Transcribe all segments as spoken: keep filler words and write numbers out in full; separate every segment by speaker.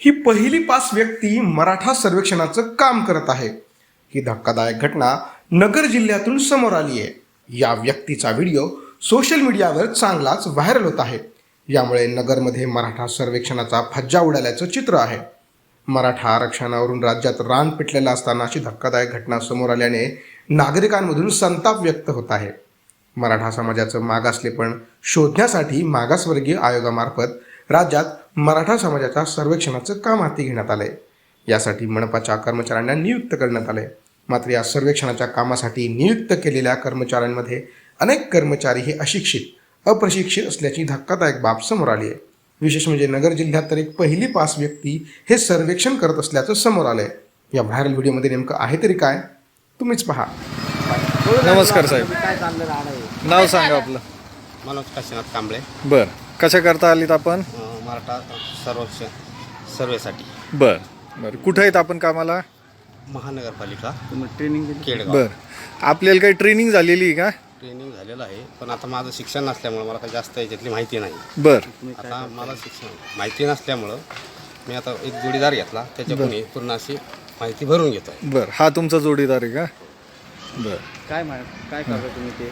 Speaker 1: ही पहिली पाच व्यक्ती मराठा सर्वेक्षणाचं काम करत आहे। ही धक्कादायक घटना नगर जिल्ह्यातून समोर आली आहे। या व्यक्तीचा व्हिडिओ सोशल मीडियावर चांगलाच व्हायरल होत आहे। यामुळे नगरमध्ये मराठा सर्वेक्षणाचा फज्जा उडाल्याचं चित्र आहे। मराठा आरक्षणावरून राज्यात रान पेटलेला असताना अशी धक्कादायक घटना समोर आल्याने नागरिकांमधून संताप व्यक्त होत आहे। मराठा समाजाचं मागासलेपण शोधण्यासाठी मागासवर्गीय आयोगामार्फत राज्यात मराठा समाजाच्या सर्वेक्षणाचं काम हाती घेण्यात आलंय। यासाठी मनपाच्या कर्मचाऱ्यांना नियुक्त करण्यात आले। मात्र या सर्वेक्षणाच्या कामासाठी नियुक्त केलेल्या कर्मचाऱ्यांमध्ये अनेक कर्मचारी हे अशिक्षित अप्रशिक्षित असल्याची धक्कादायक बाब समोर आली आहे। विशेष म्हणजे नगर जिल्ह्यात तर एक पहिली पाच व्यक्ती हे सर्वेक्षण करत असल्याचं समोर आलंय। या व्हायरल व्हिडिओमध्ये नेमकं आहे तरी काय तुम्हीच पहा।
Speaker 2: नमस्कार साहेब, नाव सांगा आपलं?
Speaker 3: मनोज काशीनाथ कांबळे।
Speaker 2: बर, कशा करता आलीत आपण?
Speaker 3: अं, मराठा सर्वेक्षण सर्वेसाठी।
Speaker 2: बर बर, कुठं आहेत आपण कामाला?
Speaker 3: महानगरपालिका ट्रेनिंग केडगाव।
Speaker 2: बर, आपल्याला काही ट्रेनिंग झालेली आहे का?
Speaker 3: ट्रेनिंग झालेलं आहे, पण आता माझं शिक्षण नसल्यामुळं मला काही जास्त याच्यातली माहिती नाही।
Speaker 2: बर,
Speaker 3: आता मला शिक्षण माहिती नसल्यामुळं मी आता एक जोडीदार घेतला, त्याच्याकडून पूर्ण अशी माहिती भरून घेतो।
Speaker 2: बर, हा तुमचा जोडीदार आहे का? बर,
Speaker 4: काय काय करता तुम्ही ते?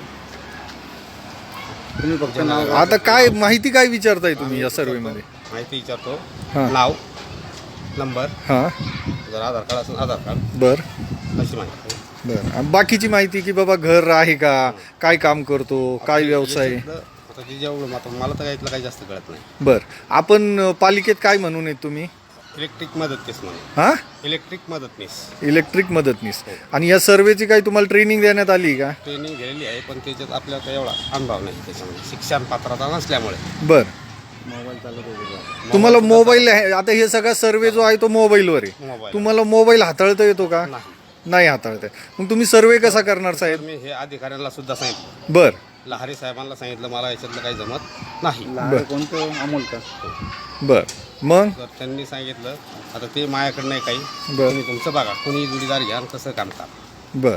Speaker 4: तुम्ही फक्त नाव
Speaker 2: आता काय माहिती काय विचारताय तुम्ही या सर्वे मध्ये?
Speaker 3: माहिती विचारतो,
Speaker 2: हां.
Speaker 3: नाव, नंबर,
Speaker 2: हां,
Speaker 3: जर आधार कार्ड असेल आधार कार्ड,
Speaker 2: बर
Speaker 3: अशी माहिती।
Speaker 2: बर, आणि बाकीची माहिती की बाबा घर आहे का, काय काम करतो, काय व्यवसाय?
Speaker 3: आता ते जेवढं आता मला तर यातलं काही जास्त कळत नाही।
Speaker 2: बर, आपण अ, पालिकेत काय म्हणून आहेत तुम्ही?
Speaker 3: इलेक्ट्रिक मदतनीस म्हणून।
Speaker 2: हां,
Speaker 3: इलेक्ट्रिक मदतनीस
Speaker 2: इलेक्ट्रिक मदतनीस। आणि या सर्वेची काही तुम्हाला ट्रेनिंग देण्यात आली का?
Speaker 3: ट्रेनिंग घेतलेली आहे, पण त्याच्यात आपल्याला काही एवढा अनुभव नाही त्याच्यामध्ये, शिक्षण पात्रता नसल्यामुळे।
Speaker 2: बर,
Speaker 4: मोबाईल चालत होते
Speaker 2: तुम्हाला मोबाईल आहे, आता हे सगळा सर्वे जो आहे तो मोबाईलवर आहे।
Speaker 3: मोबाईल
Speaker 2: तुम्हाला मोबाईल हाताळता येतो का?
Speaker 3: नाही।
Speaker 2: नाही हाताळता येत। मग तुम्ही सर्वे कसा करणार
Speaker 3: तर
Speaker 2: साहेब?
Speaker 3: मी हे अधिकाऱ्यांना सुद्धा सांगितलं,
Speaker 2: बर
Speaker 3: लहारी साहेबांना सांगितलं, मला याच्यातलं काही जमत नाही।
Speaker 4: लहान कोणतं अमोल का?
Speaker 2: बर, मग
Speaker 3: तर त्यांनी सांगितलं आता ते माझ्याकडे नाही काही,
Speaker 2: बर.
Speaker 3: तुम्ही तुमचं बघा, कोणी जोडीदार घ्या आणि कसं काम करा।
Speaker 2: बर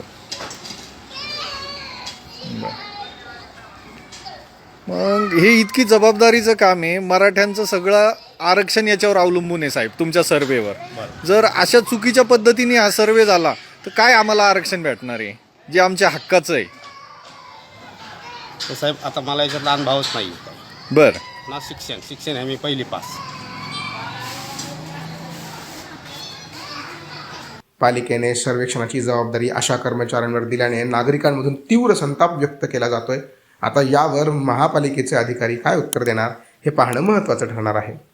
Speaker 2: बर, मग हे इतकी जबाबदारीचं काम आहे, मराठ्यांचं सगळं आरक्षण याच्यावर अवलंबून आहे साहेब, तुमच्या सर्वेवर।
Speaker 3: बरं.
Speaker 2: जर अशा चुकीच्या पद्धतीने हा सर्वे झाला तर काय आम्हाला आरक्षण भेटणार आहे जे आमच्या हक्काचं आहे?
Speaker 3: तर साहेब आता मला याच्यातला अनुभवच नाही
Speaker 2: बर,
Speaker 3: ना, शिक्षण शिक्षण आहे मी पहिली पास।
Speaker 1: पालिकेने सर्वेक्षणाची जबाबदारी अशा कर्मचाऱ्यांवर दिल्याने नागरिकांमधून तीव्र संताप व्यक्त केला जातोय। आता यावर महापालिकेचे अधिकारी काय उत्तर देणार हे पाहणं महत्त्वाचं ठरणार आहे।